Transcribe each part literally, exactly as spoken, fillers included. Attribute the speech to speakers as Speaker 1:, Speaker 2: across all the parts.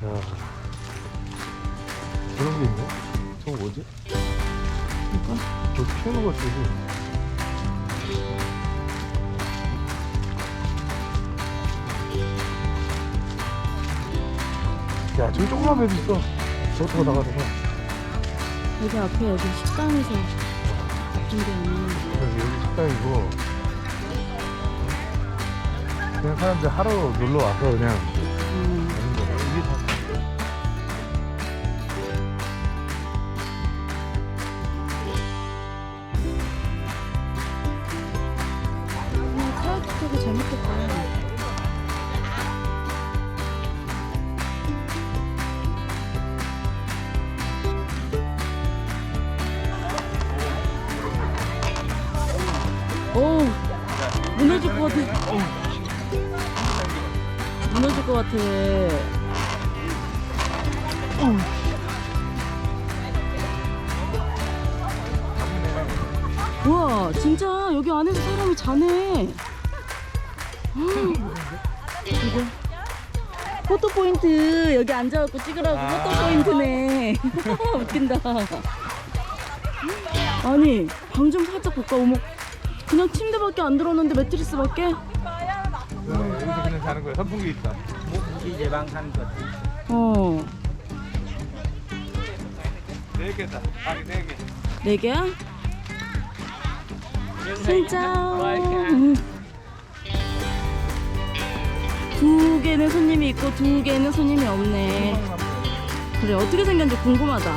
Speaker 1: 그런 게 있네. 저거 뭐지?
Speaker 2: 그러니까
Speaker 1: 저 키우는 거 쓰지. 야, 저기 조그만 배도 있어. 저거 나가서 봐.
Speaker 2: 여기 앞에 여기 식당에서 준비하는.
Speaker 1: 여기, 여기 식당이고. 그냥 사람들 하러 놀러 와서 그냥
Speaker 2: 음.
Speaker 1: 하는 거야. 이게 다.
Speaker 2: 그냥 카야키 타기 재밌겠다. 오, 무너질 것 같아. 무너질 것 같아. 어. 우와, 진짜 여기 안에서 사람이 자네. 이거 포토 포인트 여기 앉아갖고 찍으라고.
Speaker 1: 아.
Speaker 2: 포토 포인트네. 웃긴다. 아니 방 좀 살짝 볼까? 어머, 그냥 침대밖에 안 들었는데 매트리스밖에?
Speaker 1: 네, 여기서 그냥 자는 거야. 선풍기 있다.
Speaker 3: 이제 방산 것.
Speaker 2: 어,
Speaker 1: 네 개다. 방이 네 개.
Speaker 2: 네 개야? 진짜. 두 개는 손님이 있고 두 개는 손님이 없네. 그래, 어떻게 생겼는지 궁금하다.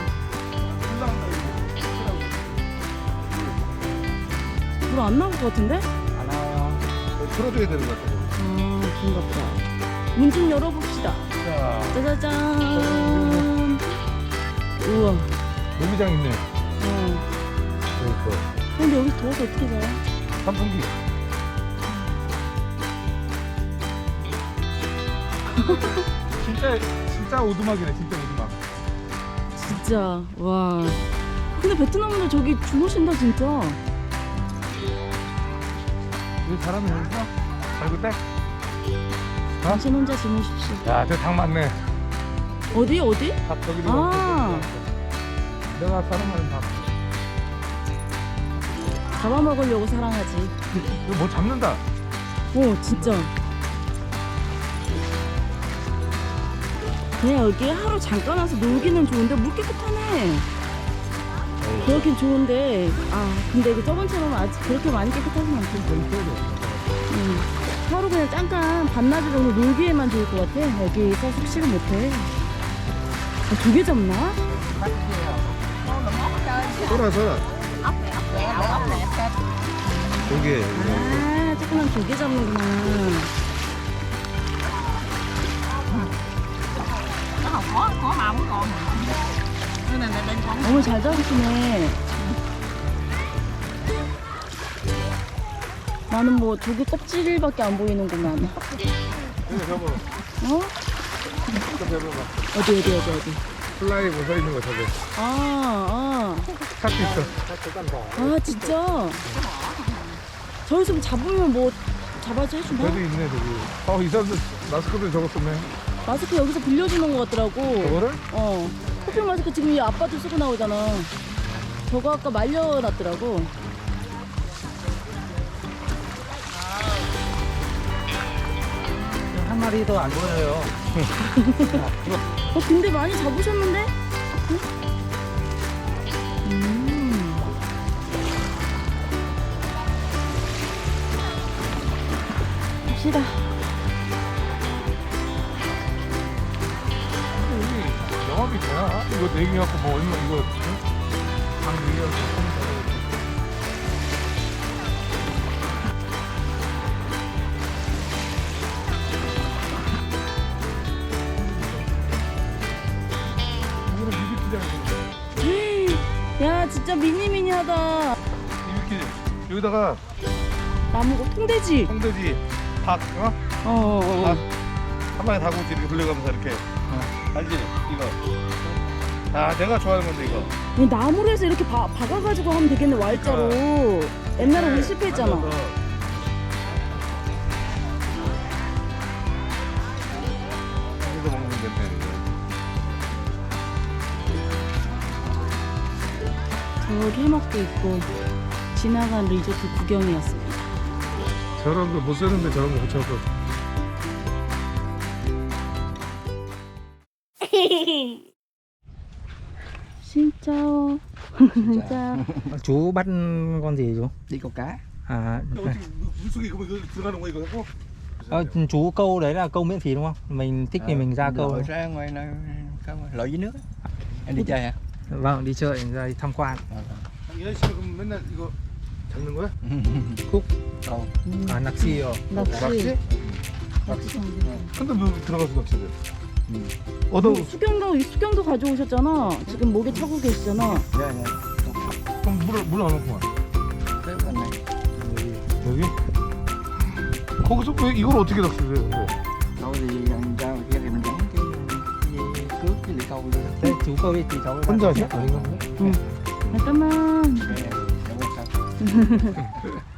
Speaker 2: 물 안 나올 것 같은데?
Speaker 1: 안 와요. 풀어줘야 되는 것 같아.
Speaker 2: 아, 그런가 보다. 문 좀 열어봅시다.
Speaker 1: 자,
Speaker 2: 짜자잔. 우와.
Speaker 1: 놀이장 있네.
Speaker 2: 어.
Speaker 1: 여기 있어.
Speaker 2: 근데 여기 더워서 어떻게 자요?
Speaker 1: 선풍기. 진짜 진짜 오두막이네. 진짜 오두막.
Speaker 2: 진짜. 와. 근데 베트남인들 저기 주무신다 진짜.
Speaker 1: 여기 사람이 여기서 발구 때.
Speaker 2: 당신 혼자 주무십시오.
Speaker 1: 야, 저 닭 많네.
Speaker 2: 어디 어디?
Speaker 1: 닭 저기도
Speaker 2: 아.
Speaker 1: 많고. 내가 사랑하는 닭.
Speaker 2: 잡아먹으려고 사랑하지.
Speaker 1: 이거 뭐 잡는다.
Speaker 2: 오, 진짜. 그냥 여기 하루 잠깐 와서 놀기는 좋은데 물 깨끗하네. 그렇긴 좋은데, 아 근데 그 저번처럼 아직 그렇게 많이 깨끗하진 않고. 응. 하루 그냥 잠깐 반나절 정도 놀기에만 좋을 것 같아. 여기서 숙식을 못해. 아, 두 개 잡나?
Speaker 1: 소라 소라. 고개.
Speaker 2: 아, 조그만 두 개 잡는구나. 어머, 잘 잡으시네. 나는 뭐 조개 껍질밖에 안 보이는구만.
Speaker 1: 여기 저거.
Speaker 2: 어?
Speaker 1: 저 배워봐.
Speaker 2: 어디 어디 어디 어디.
Speaker 1: 플라이 뭐 서 있는 거 저거.
Speaker 2: 아,
Speaker 1: 탁 있어.
Speaker 2: 아, 아 진짜. 저기서 잡으면 뭐 잡아지 해주나?
Speaker 1: 저기 있네 저기. 어, 이 사람들 마스크도 저거 쓰네.
Speaker 2: 마스크 여기서 빌려주는 것 같더라고.
Speaker 1: 저거를?
Speaker 2: 어. 커피 마스크 지금 이 아빠도 쓰고 나오잖아. 저거 아까 말려놨더라고.
Speaker 3: 한 마리도 안 보여요.
Speaker 2: 어, 근데 많이 잡으셨는데? 응? 음. 갑시다.
Speaker 1: 여기 영업이 되나? 이거 내기 갖고 뭐 얼마 이거 방 내기
Speaker 2: 야, 진짜 미니미니하다.
Speaker 1: 이렇게 여기다가
Speaker 2: 나무가 통돼지.
Speaker 1: 홍돼지 닭, 어?
Speaker 2: 어, 어, 어.
Speaker 1: 닭 한 마리 닭꼬치 이렇게 돌려가면서 이렇게. 어. 알지? 이거. 아, 내가 좋아하는 건데 이거.
Speaker 2: 이 나무로 해서 이렇게 바, 박아가지고 하면 되겠네, 왈자로. 옛날에 우리 실패했잖아.
Speaker 1: 앉아서. 여기서 먹는 건데.
Speaker 2: 저기 해먹도 있고 지나간 리조트 구경이었습니다.
Speaker 1: 저런 거 못 쓰는데 저런 거 붙여서.
Speaker 2: 진짜 진짜
Speaker 3: Chú bắt con gì chú?
Speaker 4: Đi câu cá.
Speaker 3: À,
Speaker 1: 어떻게 물속에 이거 이거 들어가는 거야 이거 하고?
Speaker 3: ờ, chú câu đấy là câu miễn phí đúng không? Mình thích thì mình ra câu.
Speaker 4: Lội ra ngoài nơi không lội dưới nước. Em đi chơi hả?
Speaker 3: Vâng, đi chơi ra đi tham quan.
Speaker 1: 이현 씨는 그럼 맨날 이거 잡는 거야?
Speaker 3: 콕.
Speaker 4: Câu.
Speaker 3: À, 낚시요.
Speaker 2: 낚시.
Speaker 1: 낚시? 근데 왜 들어가서 낚시를? 어떤
Speaker 2: 수경도 수경도 가져오셨잖아. 지금 목에 차고 계시잖아.
Speaker 4: Dạ dạ.
Speaker 1: 그럼 물을 물안 넣고 와.
Speaker 4: Tới bên này.
Speaker 1: 여기? 거기서 왜 이걸 어떻게 낚시를 해? 근데?
Speaker 4: Câu thì ăn ra ngoài kia thì mình gắn cái, cái cước cái lưỡi câu lên.
Speaker 3: Đây, chú câu đi thì cháu
Speaker 1: 혼자 하셔?
Speaker 3: ở đây.
Speaker 2: 응. 잠깐만.
Speaker 4: Để để qua sau.